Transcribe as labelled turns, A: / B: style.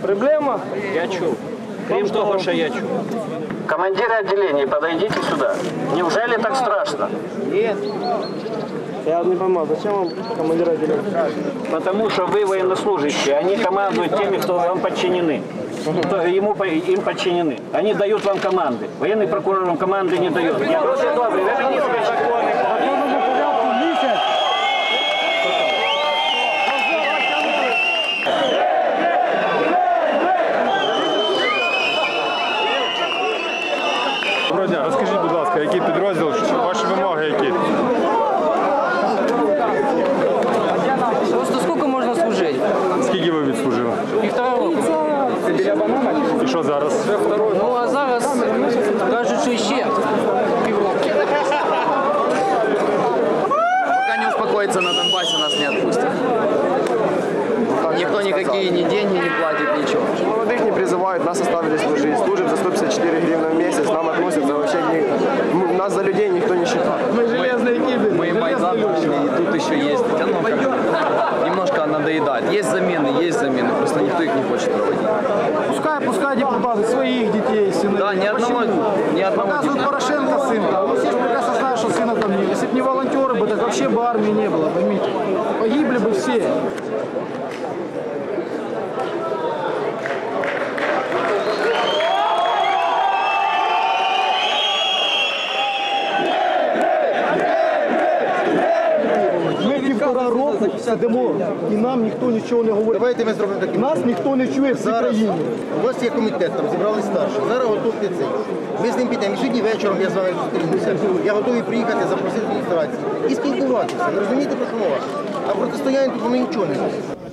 A: Проблема?
B: Я чув. Крім того, що я чув.
C: Командиры отделений, подойдите сюда. Неужели так страшно?
A: Нет. Я не понимаю, зачем вам командир отделения?
B: Потому что вы военнослужащие, они командуют теми, кто вам подчинены. Кто им подчинены. Они дают вам команды. Военный прокурор вам команды не дает. Я просто добрый, это не
D: Доброго дня, розкажіть, будь ласка, який підрозділ, ваші вимоги які?
E: Просто сколько можно служить?
D: Скільки ви відслужили?
E: 1,5 року.
D: І що зараз?
E: Ну а зараз кажуть, що ще півроку. Пока не успокоится на Донбассе, нас не отпустят. Никто никакие ни деньги не платит, ничего.
A: Молодых не призывают, нас оставили служить. Служим за 154 гривны в месяц, нам относятся вообще, нас за людей никто не считает. Мы железные кибы.
E: Мы Майдан прошли, и тут еще есть. Оно как немножко надоедает. Есть замены, просто никто их не хочет проводить.
A: Пускай депутаты своих детей, сыновей.
E: Да, ни одного.
A: Показывают Порошенко сына. Ну, все же прекрасно знают, что сына там нет. Если бы не волонтеры бы, так вообще бы армии не было, поймите. Погибли бы все. Ми 1,5 року сидимо, і нам ніхто нічого не говорить.
F: Давайте ми зробимо таке.
A: Нас ніхто не чує в цій країні.
F: У вас є комітет, там зібрали старші. Зараз готуйте цей. Ми з ним підемо. І сьогодні вечором я з вами зустрінуся. Я готовий приїхати, запросити адміністрацію і спілкуватися. Ви розумієте, про що мова? А протистояння тут ми нічого не робимо.